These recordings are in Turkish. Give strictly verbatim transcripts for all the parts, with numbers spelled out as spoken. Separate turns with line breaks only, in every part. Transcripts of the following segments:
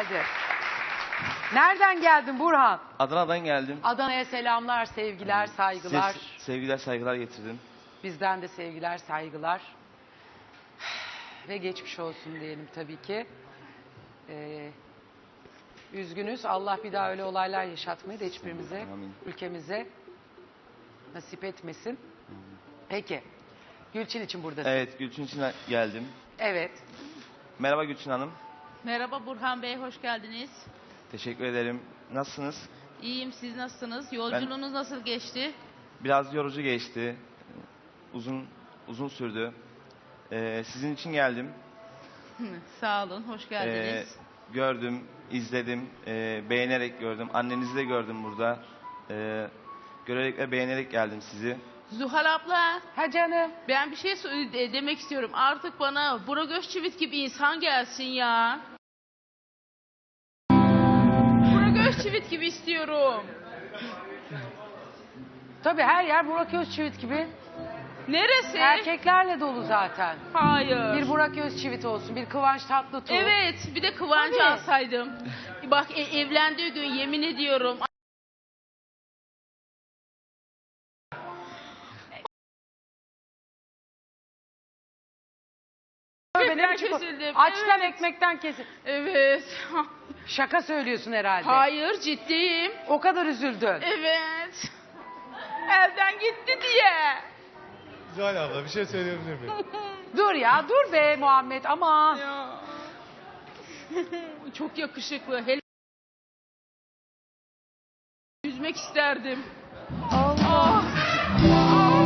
geldin. Nereden geldin Burhan?
Adana'dan geldim.
Adana'ya selamlar, sevgiler, saygılar.
Size sevgiler, saygılar getirdim.
Bizden de sevgiler, saygılar. Ve geçmiş olsun diyelim tabii ki. Ee, üzgünüz. Allah bir daha öyle olaylar yaşatmayı da hiçbirimize,
Amin.
ülkemize nasip etmesin. Peki. Gülçin için buradasın.
Evet, Gülçin için geldim.
Evet.
Merhaba Gülçin Hanım.
Merhaba Burhan Bey, hoş geldiniz.
Teşekkür ederim. Nasılsınız?
İyiyim, siz nasılsınız? Yolculuğunuz nasıl geçti?
Biraz yorucu geçti. Uzun uzun sürdü. Ee, sizin için geldim.
Sağ olun, hoş
Ee,
geldiniz.
gördüm, izledim, ee, beğenerek gördüm. Annenizi de gördüm burada. Ee, görerek ve beğenerek geldim sizi.
Zuhal abla,
Ha canım.
ben bir şey sö- de- demek istiyorum. Artık bana Burak Özçivit gibi insan gelsin ya. Burak Özçivit gibi istiyorum.
Tabii her yer Burak Özçivit gibi.
Neresi?
Erkeklerle dolu zaten.
Hayır.
Bir Burak Özçivit olsun, bir Kıvanç Tatlıtuğ.
Evet, bir de Kıvancı
Tabii.
alsaydım. Bak e- evlendiği gün yemin ediyorum.
Tövbe, ne
Ben
biçim-
kesildim.
Açtan
Evet.
ekmekten kesin.
Evet.
Şaka söylüyorsun herhalde.
Hayır, ciddiyim.
O kadar üzüldün.
Evet. Evden gitti diye.
Zuhal abla bir şey söyleyebilir miyim?
Dur ya, dur be Muhammed, aman.
Ya. Çok yakışıklı. Hele yüzmek isterdim.
Allah.
Ah.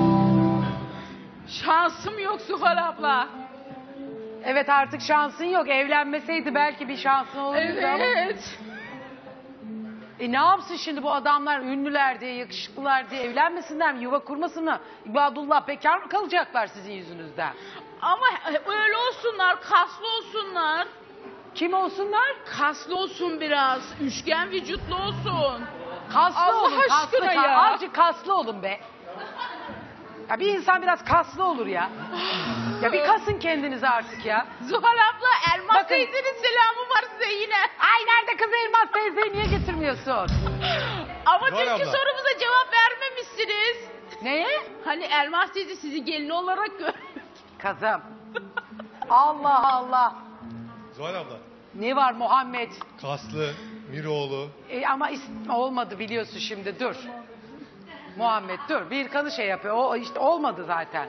Şansım yok Zuhal abla.
Evet, artık şansın yok. Evlenmeseydi belki bir şansın olurdu ama.
Evet.
E ne yapsın şimdi bu adamlar, ünlüler diye, yakışıklılar diye evlenmesinler mi? Yuva kurmasınlar mı? İbadullah bekar mı kalacaklar sizin yüzünüzden?
Ama öyle olsunlar, kaslı olsunlar.
Kim olsunlar?
Kaslı olsun biraz. Üçgen vücutlu olsun.
Kaslı
Allah
olun, kaslı.
aşkına
ka-
ya.
Azıcık kaslı olun be. Ya bir insan biraz kaslı olur ya. Ya bir kasın kendinizi artık ya.
Zuhal abla, Elmas
Bakın.
teyzenin selamı var size yine.
Ay nerede kız Elmas teyzeyi niye getirmiyorsun?
Ama
Zuhal
dünkü
abla.
sorumuza cevap vermemişsiniz.
Neye?
Hani Elmas teyze sizi gelin olarak gör.
Kızım. Allah Allah.
Zuhal abla.
Ne var Muhammed?
Kaslı, Miroğlu.
E, ama is- olmadı biliyorsun şimdi, dur. Muhammed dur. Bir kanı şey yapıyor. O işte olmadı zaten.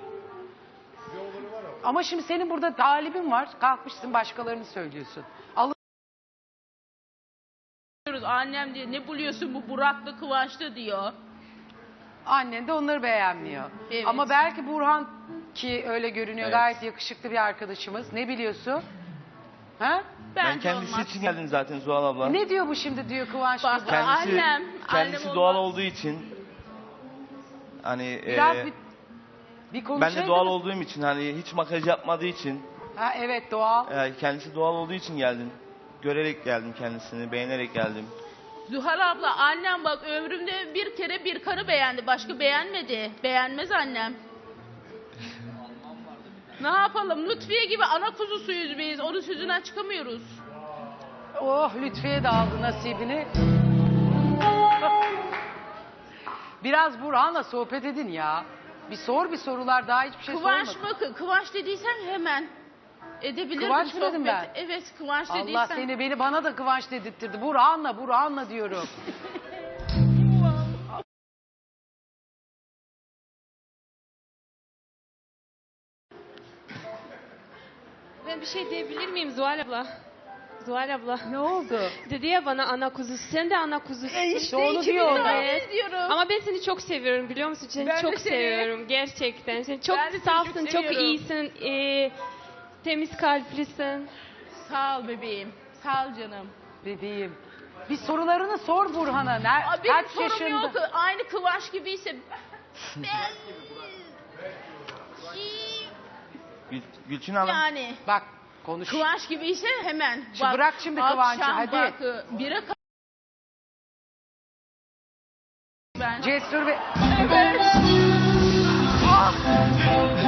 Ama şimdi senin burada talibin var. Kalkmışsın başkalarını söylüyorsun. Alın.
Annem diyor ne buluyorsun bu Burak'lı Kıvanç'lı diyor.
Annen de onları beğenmiyor.
Evet.
Ama belki Burhan, ki öyle görünüyor,
Evet.
gayet yakışıklı bir arkadaşımız. Ne biliyorsun? Ha?
Ben
Bence
kendisi
olmaz.
için geldim zaten Zuhal abla.
Ne diyor bu şimdi, diyor Kıvanç
Bak,
burada.
Kendisi,
Annem,
kendisi
annem
doğal
olmaz.
olduğu için hani
Biraz
e,
bir, bir
ben
konuşaydınız.
de doğal olduğum için hani hiç makyaj yapmadığı için
Ha, evet, doğal.
e, kendisi doğal olduğu için geldim. Görerek geldim kendisini, beğenerek geldim.
Zuhal abla annem bak ömrümde bir kere bir karı beğendi. Başka beğenmedi. Beğenmez annem. Ne yapalım? Lütfiye gibi ana kuzusuyuz biz. Onun sözünden çıkamıyoruz.
Oh, Lütfiye de aldı nasibini. Biraz Burhan'la sohbet edin ya. Bir sor bir sorular, daha hiçbir şey
Kıvanç
sormadın.
mı? Kıvanç dediysen hemen. Edebilirim
Kıvanç mı dedim
sohbet.
ben?
Evet Kıvanç dediysen.
Allah seni, beni bana da Kıvanç dedirttirdi. Burhan'la Burhan'la diyorum.
Ben bir şey diyebilir miyim Zuhal abla? Zuhal abla.
Ne oldu?
Dedi ya bana ana kuzusu. Sen de ana kuzusun.
İşte onu diyor.
Ben diyorum.
Ama ben seni çok seviyorum biliyor musun? Seni
Ben de
çok
seni.
seviyorum gerçekten. Sen çok
Ben de seni
safsın,
çok
çok,
seviyorum.
iyisin. e, temiz kalplisin.
Sağ ol bebeğim. Sağ ol canım.
Bebeğim. Bir sorularını sor Burhan'a. Ner
Aa, benim
kaç
sorum
yaşında?
yok. Aynı Kıvanç gibiyse. Ben...
Gül, Gülçin Hanım,
yani.
Bak konuş.
Kıvanç gibiyse hemen.
Şimdi bırak şimdi Kıvanç'ı,
akşam
hadi.
Bak, bire ka- ben.
Cesur ve...
Evet.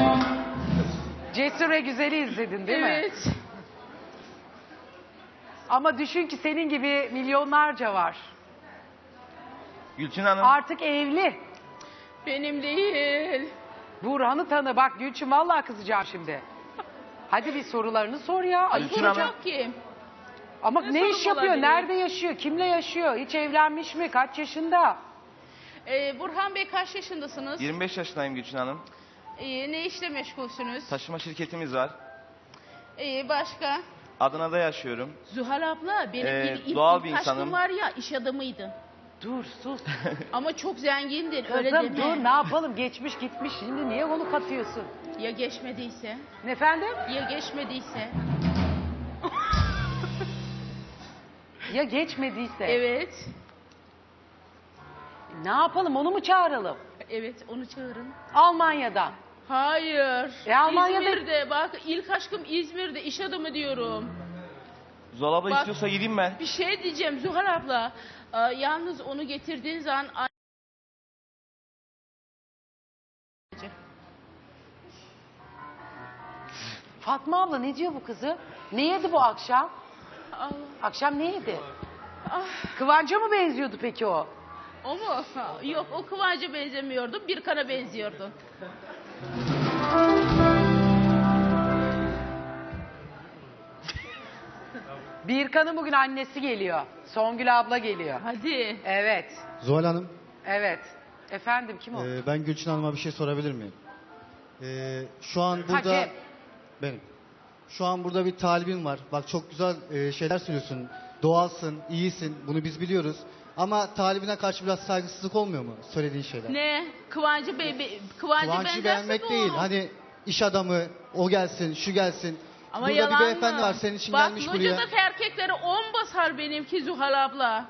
Cesur ve Güzel'i izledin değil mi?
Evet.
Ama düşün ki senin gibi milyonlarca var.
Gülçin Hanım.
Artık evli.
Benim değil.
Burhan'ı tanı. Bak Gülçin vallahi kızacağım şimdi. Hadi bir sorularını sor ya. Ay,
Gülçin Hanım.
Soracak ki.
ama
ne
ne,
sorum
iş yapıyor?
olabilir?
Nerede yaşıyor? Kimle yaşıyor? Hiç evlenmiş mi? Kaç yaşında?
Ee, Burhan Bey kaç yaşındasınız?
yirmi beş yaşındayım Gülçin Hanım.
Ee, ne işle meşgulsünüz?
Taşıma şirketimiz var.
Ee, başka?
Adana'da yaşıyorum.
Zuhal abla benim
Ee,
ilk, ilk,
doğal
ilk
bir
aşkım
insanım.
var ya iş adamıydı.
Dur sus.
Ama çok zengindin öyle
Kızım
deme.
dur ne yapalım? Geçmiş gitmiş. Şimdi niye onu katıyorsun?
Ya geçmediyse?
Efendim?
Ya geçmediyse?
Ya geçmediyse?
Evet.
Ne yapalım? Onu mu çağıralım?
Evet onu çağırın.
Almanya'dan.
Hayır.
E, Almanya'da-
İzmir'de bak ilk aşkım İzmir'de iş adamı diyorum.
Zuhal abla
Bak-
istiyorsa gideyim ben.
Bir şey diyeceğim Zuhal abla. Ee, yalnız onu getirdiğin zaman...
Fatma abla ne diyor bu kızı? Ne yedi bu akşam?
Allah.
Akşam ne yedi?
Ah,
Kıvanç'a mı benziyordu peki o?
o mu? Yok o Kıvanç'a benzemiyordu. Birkan'a benziyordu.
Birkan'ın bugün annesi geliyor. Songül abla geliyor.
Hadi.
Evet.
Zuhal Hanım,
Evet. Efendim kim o?
e, ben Gülçin Hanım'a bir şey sorabilir miyim? E, şu an burada...
Hakem.
Benim. Şu an burada bir talibim var. Bak çok güzel e, şeyler söylüyorsun. Doğalsın, iyisin. Bunu biz biliyoruz. Ama talibine karşı biraz saygısızlık olmuyor mu söylediğin şeyler?
Ne? Kıvancı Bey, Bey- Kıvancı,
Kıvancı
benzerse
beğenmek
bu
değil.
olur.
Hani iş adamı, o gelsin, şu gelsin.
Ama
burada
yalan
bir beyefendi
mı?
var senin için
Bak,
gelmiş buraya.
locadaki erkekleri on basar benimki Zuhal abla.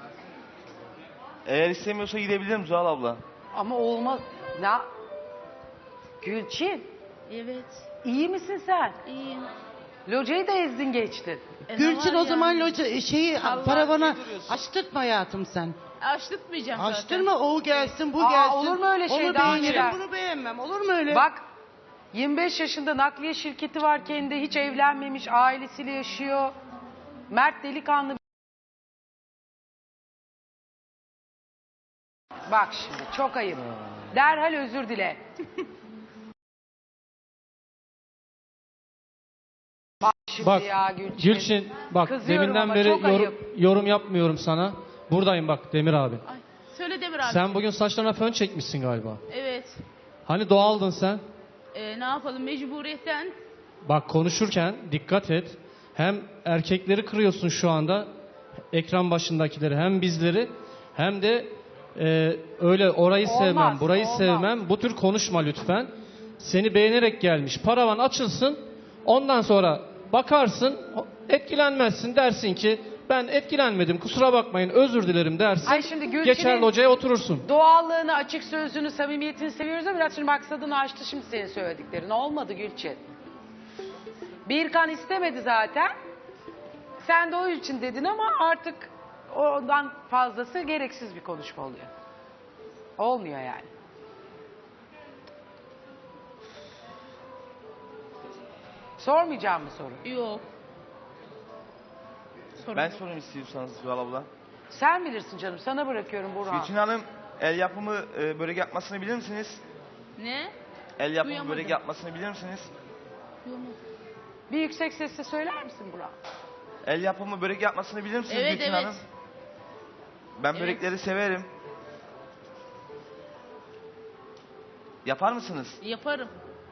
Eğer istemiyorsa gidebilirim Zuhal abla.
Ama olmaz. Ne? Gülçin,
Evet,
iyi misin sen?
iyiyim.
Locayı da ezdin geçtin.
E, ne
Gülçin
var
o zaman
yani?
loca, şeyi
Allah
paravana
duruyorsun.
açtırtma hayatım sen.
Açtırtmayacağım zaten.
Açtırma o gelsin bu
Aa,
gelsin.
olur mu öyle şey?
Onu
Daha
beğenirim
önce-
bunu beğenmem olur mu öyle?
Bak yirmi beş yaşında nakliye şirketi var kendi. Hiç evlenmemiş. Ailesiyle yaşıyor. Mert delikanlı. Bak şimdi çok ayıp. Derhal özür dile. Bak şimdi
Bak
ya Gülçin.
Gülçin bak
Kızıyorum
deminden
ama
beri
çok
yorum,
ayıp.
yorum yapmıyorum sana. Buradayım bak Demir abi.
Ay, söyle Demir abi.
Sen bugün saçlarına fön çekmişsin galiba.
Evet.
Hani doğaldın sen?
E, ne yapalım mecburiyetten.
Bak konuşurken dikkat et. Hem erkekleri kırıyorsun şu anda. Ekran başındakileri hem bizleri hem de e, öyle orayı
Olmaz,
sevmem burayı
olmaz.
sevmem. Bu tür konuşma lütfen. Seni beğenerek gelmiş. Paravan açılsın. Ondan sonra bakarsın etkilenmezsin dersin ki ben etkilenmedim kusura bakmayın özür dilerim dersin.
Ay şimdi Gülçin'in-
Geçer locaya oturursun.
Doğallığını, açık sözünü, samimiyetini seviyoruz ama biraz şimdi maksadını aştı şimdi senin söylediklerin. Olmadı Gülçin. Birkan istemedi zaten. Sen de o için dedin ama artık ondan fazlası gereksiz bir konuşma oluyor. Olmuyor yani. Sormayacağım mı soru?
Yok. Sorun
Ben
yok.
sorayım istiyorsanız Zuhal abla.
Sen bilirsin canım. Sana bırakıyorum Burhan.
Gülçin Hanım el yapımı e, börek yapmasını bilir misiniz?
Ne?
El yapımı
Duyamadım.
börek yapmasını bilir misiniz?
Yok mu?
Bir yüksek sesle söyler misin Burhan?
El yapımı börek yapmasını bilir misiniz
Evet
Gülçin
evet.
Hanım? Ben
Evet.
börekleri severim. Yapar mısınız?
Yaparım.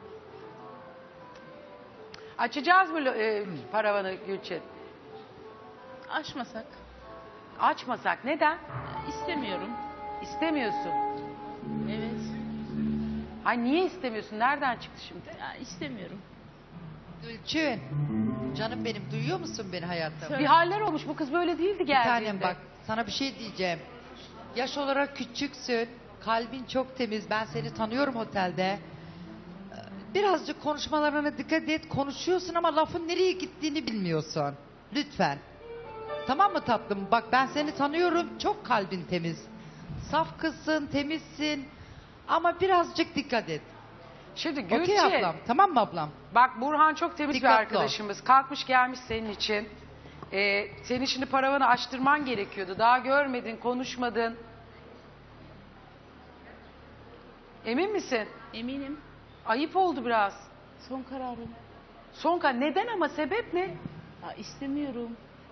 Açacağız mı lo- e, paravanı Gülçin?
Açmasak.
Açmasak. Neden?
İstemiyorum.
İstemiyorsun.
Evet.
Ay niye istemiyorsun? Nereden çıktı şimdi?
Ya, istemiyorum.
Gülçin, canım benim duyuyor musun beni hayatım?
Bir haller olmuş. Bu kız böyle değildi
Bir
geldiğinde.
tanem bak sana bir şey diyeceğim. Yaş olarak küçüksün, kalbin çok temiz. Ben seni tanıyorum otelde. Ee, Birazcık konuşmalarına dikkat et. Konuşuyorsun ama lafın nereye gittiğini bilmiyorsun. Lütfen. Tamam mı tatlım? Bak ben seni tanıyorum. Çok kalbin temiz. Saf kızsın, temizsin. Ama birazcık dikkat et.
Şimdi Gülçin.
Okey ablam. Tamam mı ablam?
Bak Burhan çok temiz
Dikkatli
bir arkadaşımız. Kalkmış gelmiş senin için. Ee, senin şimdi paravanı açtırman gerekiyordu. Daha görmedin, konuşmadın. Emin misin?
Eminim.
Ayıp oldu biraz.
Son kararım.
Sonka neden ama sebep ne?
Ha, istemiyorum.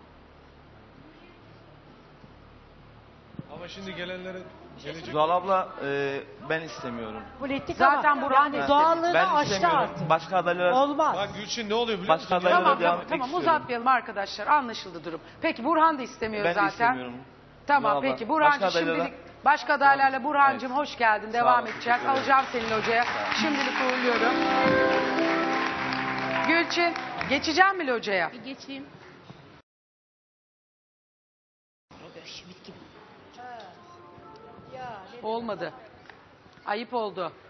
Ama şimdi gelenlere gelecek.
Zuhal abla e, ben istemiyorum.
Politik
Zaten
ama
Burhan
yani
da
doğallığını
Ben
aştı
istemiyorum.
artık.
Başka adaylara
Olmaz.
Bak Gülçin ne oluyor biliyor
Başka
musun?
adaylara
Tamam
devam
tamam,
etmek
tamam
istiyorum.
uzatmayalım arkadaşlar. Anlaşıldı durum. Peki Burhan da istemiyor
Ben de
zaten.
istemiyorum.
Tamam
Zuhal abla,
peki Burhancığım
başka adaylara-
şimdilik başka adaylarla Burhancığım
Evet.
hoş geldin.
Sağ
Devam
ol,
edeceğiz.
teşekkür ederim.
Alacağım senin hocaya. Şimdilik uğurluyorum. Gülçin geçeceğim mi hocaya?
Bir geçeyim.
Olmadı. Ayıp oldu.